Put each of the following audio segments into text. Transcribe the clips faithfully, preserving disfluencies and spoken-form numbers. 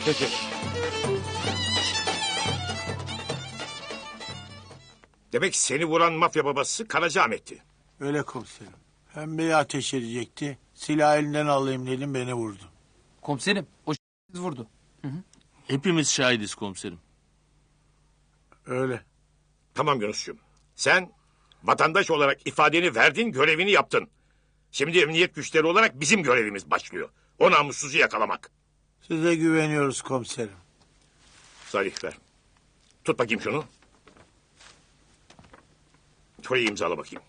Demek seni vuran mafya babası Karacaahmet'ti. Öyle komiserim. Pembeyi ateş edecekti. Silah elinden alayım dedim, beni vurdu. Komiserim o vurdu. Hı hı. Hepimiz şahidiz komiserim. Öyle. Tamam Yunus'cum. Sen vatandaş olarak ifadeni verdin, görevini yaptın. Şimdi emniyet güçleri olarak bizim görevimiz başlıyor. O namussuzu yakalamak. Size güveniyoruz komiserim. Salih ver. Tut bakayım şunu. Şurayı imzala bakayım.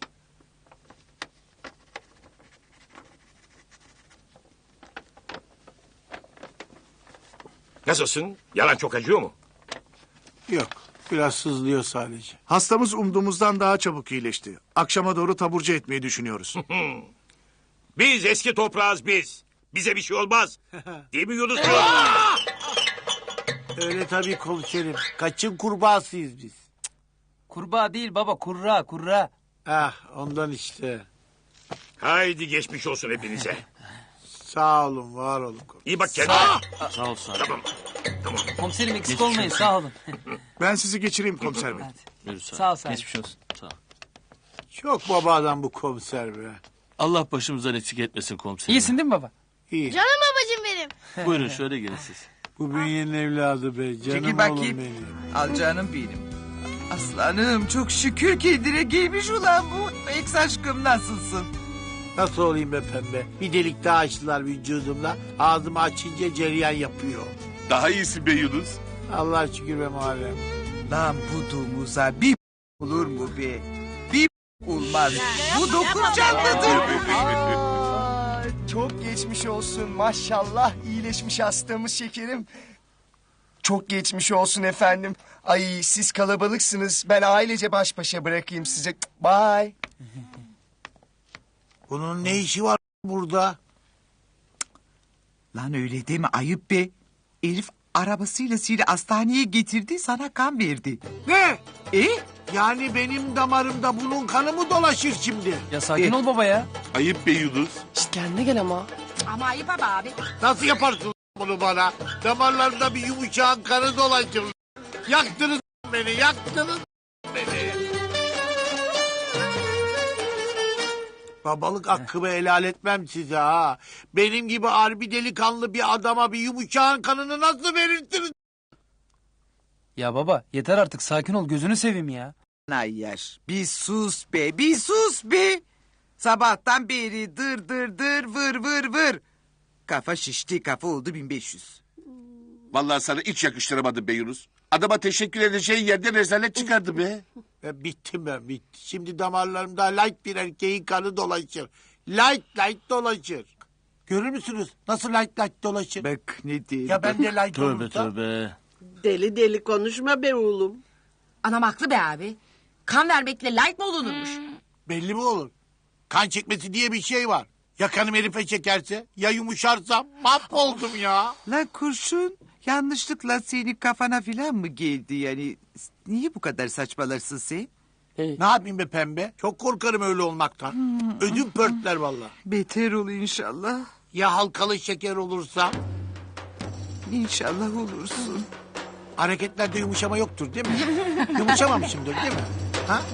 Nasılsın? Yalan çok acıyor mu? Yok, biraz sızlıyor sadece. Hastamız umduğumuzdan daha çabuk iyileşti. Akşama doğru taburcu etmeyi düşünüyoruz. Biz eski toprağız biz. Bize bir şey olmaz. Değil mi Yunus? Öyle tabii komiserim. Kaçın kurbağasıyız biz. Kurbağa değil baba, kurra kurra. Ah, ondan işte. Haydi geçmiş olsun hepinize. Sağ olun, var olun komiserim. İyi bak kendine. Sağ ol Salih. Tamam. Tamam. Komiserim eksik olmayın, sağ olun. Ben sizi geçireyim komiser bey. Hadi. Yürü Salih. Sağ ol sen. Geçmiş olsun. Sağ ol. Çok baba adam bu komiser be. Allah başımızdan eksik etmesin komiserim. İyisin değil mi baba? İyi. Canım babacığım benim. Buyurun şöyle gelin siz. Bu bünyenin evladı be. Canım Çekil oğlum bakayım. benim. Al canım benim. Aslanım çok şükür kendine gelmiş ulan bu. Eks aşkım nasılsın? Nasıl olayım be pembe? Bir delik daha açtılar vücudumda. Ağzımı açınca cereyan yapıyor. Daha iyisin be Yunus. Allah şükür be Muharrem. Lan bu domuza bir olur mu be? Bir olmaz. Bu dokuz canlıdır. Aa, çok geçmiş olsun maşallah, iyileşmiş hastamız şekerim. Çok geçmiş olsun efendim. Ay siz kalabalıksınız, ben ailece baş başa bırakayım size. Bye. Bunun ne işi var burada? Lan öyle deme ayıp be. Elif arabasıyla seni hastaneye getirdi, sana kan verdi. Ne? E? Yani benim damarımda bunun kanı mı dolaşır şimdi? Ya sakin ol baba ya. Ayıp be Yunus. Şişt kendine gel ama. Ama ayıp ama abi. Nasıl yaparsın bunu bana? Damarlarımda bir yumuşağın kanı dolaşır. Yaktınız beni, yaktınız beni. Babalık hakkımı helal etmem size ha. Benim gibi harbi delikanlı bir adama bir yumuşağın kanını nasıl verirsiniz? Ya baba yeter artık, sakin ol, gözünü seveyim ya. Ay yaş, bir sus be, bir sus be. Sabahtan beri dır dır dır vır vır vır. Kafa şişti, kafa oldu bin beş yüz. Vallahi sana hiç yakıştıramadım be Yunus. Adama teşekkür edeceğin yerde rezalet çıkardı be. Ben bittim ben bitti. Şimdi damarlarımda light bir erkeğin kanı dolaşır. Light light dolaşır. Görür müsünüz nasıl light light dolaşır? Bak ne diyeyim. Ya ben de light Tövbe olursa? tövbe. Deli deli konuşma be oğlum. Anam haklı be abi. Kan vermekle like mı olunurmuş? Belli mi olur? Kan çekmesi diye bir şey var. Ya kanım herife çekerse, ya yumuşarsam mahvoldum ya. Lan kurşun yanlışlıkla senin kafana filan mı geldi yani? Niye bu kadar saçmalarsın sen? Ne yapayım be pembe? Çok korkarım öyle olmaktan. Ödüm pörtler vallahi. Beter ol inşallah. Ya halkalı şeker olursa? İnşallah olursun. Hareketlerde yumuşama yoktur değil mi? Yumuşamamışımdır değil mi? Ha?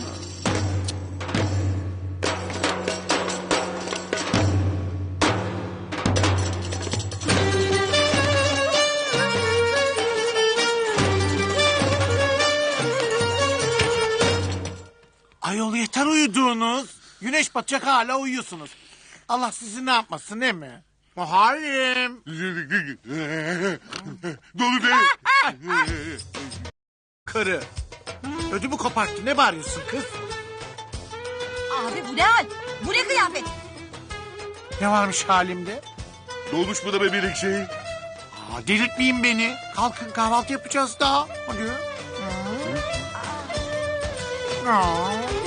Ayol yeter uyuduğunuz. Güneş batacak hala uyuyorsunuz. Allah sizi ne yapmasın değil mi? Muharrem. Dolu be. Karı. Ödümü koparttı. Ne bağırıyorsun kız? Abi bu ne hal? Bu ne kıyafet? Ne varmış halimde? Dolmuş mu da be bir şey? Aa, delirtmeyin beni. Kalkın kahvaltı yapacağız daha. Hadi. Aa.